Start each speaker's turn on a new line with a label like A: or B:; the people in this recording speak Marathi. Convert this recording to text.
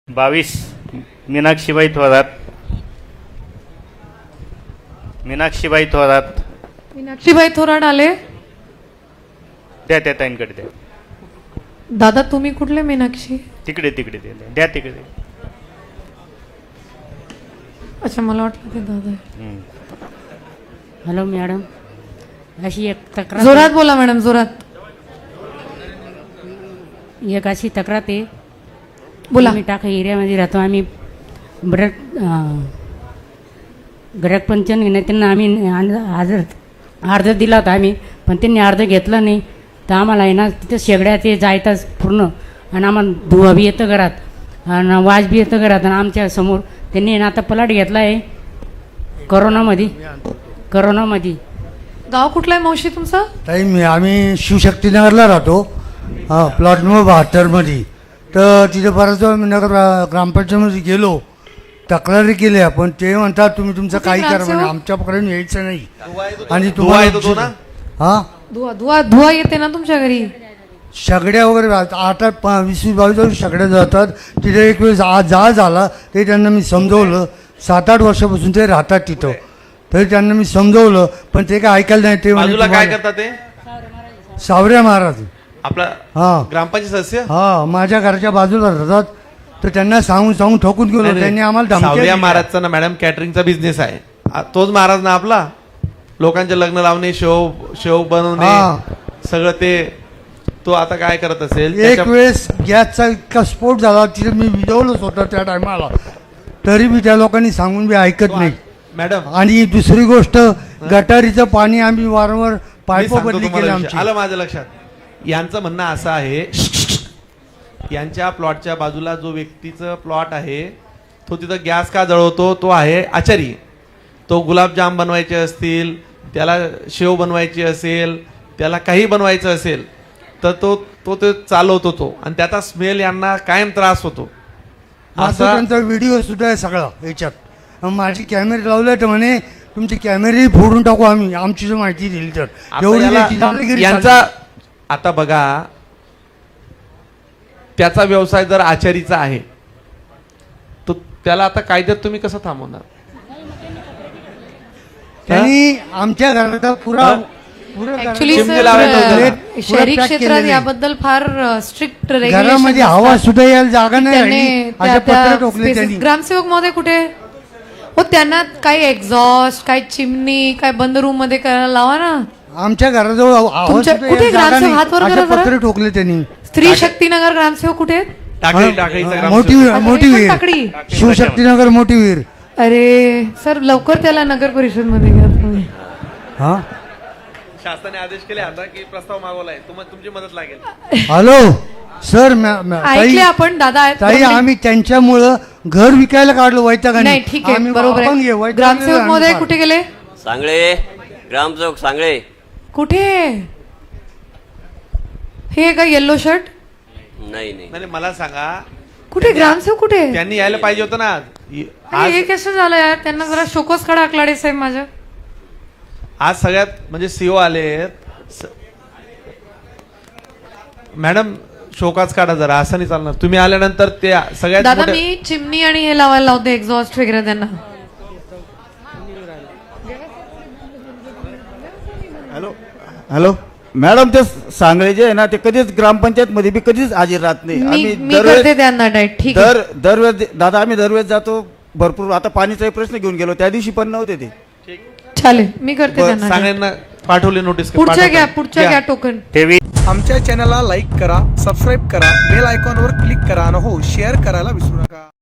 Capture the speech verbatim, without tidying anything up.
A: बावीस मीनाक्षीबाई थोरात. मीनाक्षीबाई थोरात.
B: मीनाक्षीबाई थोरात आले.
A: द्या त्या ताईंकडे द्या.
B: दादा तुम्ही कुठले मीनाक्षी?
A: तिकडे तिकडे द्या द्या तिकडे.
B: अच्छा मला वाटलं ते दादा आहे.
A: हम्म.
C: हॅलो मॅडम, अशी एक तक्रार
B: जोरात बोला मॅडम, जोरात
C: एक अशी तक्रार आहे.
B: बोला.
C: आम्ही टाका एरियामध्ये राहतो. आम्ही ब्रक ग्राहक पंचन घेण्यात त्यांना आम्ही अर्ज अर्ज दिला होता आम्ही, पण त्यांनी अर्ज घेतला नाही. तर आम्हाला आहे ना तिथं शेगड्या ते जायताच पूर्ण, आणि आम्हाला धुवा बी येतं घरात आणि वाज बी येतं घरात. आणि आमच्या समोर त्यांनी ना आता पलाट घेतला आहे करोनामध्ये. करोनामध्ये
B: गाव कुठला आहे मावशी तुमचं?
D: ताई मी आम्ही शिवशक्तीनगरला राहतो, हां प्लॉट नंबर बहात्तरमध्ये. तर तिथे बराच वेळा मी नगर ग्रामपंचायतमध्ये गेलो, तक्रारी केली आपण. ते म्हणतात तुम्ही तुमचं
B: कुठे
D: काही करा
B: ग्रामसेवक?
D: म्हणे, आमच्याकडून यायचं नाही. आणि
E: धुवा येतो तो ना?
D: हां
B: धुवा धुवा धुवा येते ना तुमच्या घरी?
D: सगड्या वगैरे आठ आठ पा- वीस वीस बावीस वर्ष सगड्या जातात तिथे. एक वेळेस आज जा झाला ते त्यांना मी समजवलं. सात आठ वर्षापासून ते राहतात तिथं, तरी त्यांना मी समजवलं पण ते काय ऐकायला नाही. ते म्हणे
E: बाजूला काय
D: तुम्हाला-
E: करतात ते?
D: सावऱ्या महाराज.
E: आपला
D: हां
E: ग्रामपंचायत सदस्य
D: हा माझ्या घराच्या बाजूला राहतात. तर त्यांना सांगून सांगून ठोकून गेलो.
E: नाही,
D: त्यांनी आम्हाला
E: नाही.
D: धमक्या
E: सावरिया
D: दिल्या.
E: महाराजचा ना मॅडम कॅटरिंगचा बिझनेस आहे. आ- तोच महाराज ना आपला. लोकांचे लग्न लावणे, शेव शेव बनवणे,
D: हा.
E: सगळं ते. तो आता काय करत असेल
D: एक
E: त्याच्या-
D: वेळेस गॅसचा इतका स्फोट झाला तिथे मी विजवलंच होतं त्या टायमाला, तरी मी त्या लोकांनी सांगून मी ऐकत नाही.
E: मॅडम
D: आणि दुसरी गोष्ट, गटारीचं पाणी आम्ही वारंवार
E: मी
D: पाईप
E: सांगतो
D: बदली
E: तुम्हाला
D: केली
E: विषय.
D: आमची.
E: आलं माझ्या लक्षात. यांचं म्हणणं असं आहे, यांच्या प्लॉटच्या बाजूला जो व्यक्तीचं प्लॉट आहे तो तिथं गॅस का जळवतो, तो आहे आचारी. तो गुलाबजाम बनवायचे असतील, त्याला शेव बनवायची असेल, त्याला काही बनवायचं असेल तर तो तो ते चालवतो तो, आणि त्याचा स्मेल यांना कायम त्रास होतो.
D: माझा
E: असा
D: त्यांचा व्हिडिओ सुद्धा आहे सगळा याच्यात. मग माझी कॅमेरे लावले तर म्हणे तुमचे कॅमेरे फोडून टाकू आम्ही, आमची जर माहिती दिली तर.
E: आता
D: एवढी
E: याला-
D: त्याची दादागिरी
E: यांचा
D: चालली.
E: आता बघा, त्याचा व्यवसाय जर आचारीचा आहे तो त्याला आता कायद्यात तुम्ही कसं थांबवणार?
D: त्यांनी आमच्या घराचा पुरा
E: हा?
D: पुरा घराचा-
B: ऍक्च्युली
E: चिमणी लावायचं होतं ना.
B: सर शहरी
D: pack
B: क्षेत्रात
D: केलेलं आहे.
B: याबद्दल फार स्ट्रिक्ट
D: घरामध्ये हवा सुद्धा यायला जागा नाही राहिली. अशा पत्र ठोकले त्यांनी.
B: ग्रामसेवक महोदय कुठे हो? त्यांना काही एक्झॉस्ट, काही चिमणी, काय बंद रूम मध्ये करायला लावा ना.
D: आमच्या घराजवळ आवाज
B: तुमच्या-
D: सुद्धा
B: कुठे
D: यायला जागा
B: ग्रामसेवक?
D: नाही.
B: हात वर
D: अशा
B: करा जरा.
D: पत्र ठोकले त्यांनी.
B: स्त्री शक्तीनगर ग्रामसेवक कुठे आहेत?
E: टाकळी टाकळीचा
D: हा,
E: ग्रामसेवक.
D: मोठी मोठी
B: हे पण
D: विहीर,
B: टाकळी.
D: शिवशक्तीनगर मोठी विहीर.
B: अरे सर लवकर त्याला नगर परिषद मध्ये घ्या तुम्ही.
D: हा
E: शासनाने आदेश केले आता की प्रस्ताव मागवलाय, तुम्हाला तुमची मदत लागेल.
D: हॅलो सर, मॅ- मॅ- ताई
B: ऐकले आपण दादा आहेत.
D: ताई आम्ही त्यांच्यामुळं घर विकायला काढलो वैतागाने.
B: नाही ठीक आहे,
D: आम्ही
B: बरोबर
D: आपण घे,
B: आहे.
D: वैतागलेलो
B: ग्रामसेवक
D: आम्ही
B: महोदय
D: फार.
B: कुठे गेले?
F: सांगळे ग्रामसेवक सांगळे
B: कुठे? हे का येल्लो शर्ट?
F: नाही नाही
E: नाही मला सांगा,
B: कुठे ग्रामसेवक कुठे?
E: त्यांनी यायला पाहिजे होतं ना इ-
B: अरे
E: आज.
B: हे कसं झालं यार? त्यांना जरा शोकस खडा आकलाडे साहेब माझ्या.
E: आज सगळ्यात म्हणजे सीओ आले. मॅडम शोकाच काढा जरा, असं नाही चालणार. तुम्ही आल्यानंतर ते सगळ्यात
B: दादा
E: मोठे-
B: मी चिमणी आणि हे लावायला लावते, एक्झॉस्ट वगैरे त्यांना.
G: हॅलो हॅलो मॅडम, ते सांगळे जे आहे ना ते कधीच ग्रामपंचायत मध्ये बी कधीच हजर राहत नाही.
B: मी मी
G: दरवेळेस-
B: करते त्यांना डायट. ठीक आहे
G: दर दरवेळेस दादा आम्ही दरवेळेस जातो भरपूर. आता पाणीचाही प्रश्न घेऊन गेलो, त्या दिवशी पण नव्हते ते.
B: चालेल, मी करते
E: बरं,
B: त्यांना diet.
E: सांगण्यांना पाठवली नोटीस.
B: पुढच्या
E: पाठवतो.
B: घ्या, पुढच्या घ्या टोकन.
A: तेवीस
H: आमच्या चॅनलला लाईक करा, सबस्क्राईब करा, बेल आयकॉनवर क्लिक करा आणि हो शेअर करायला विसरू नका.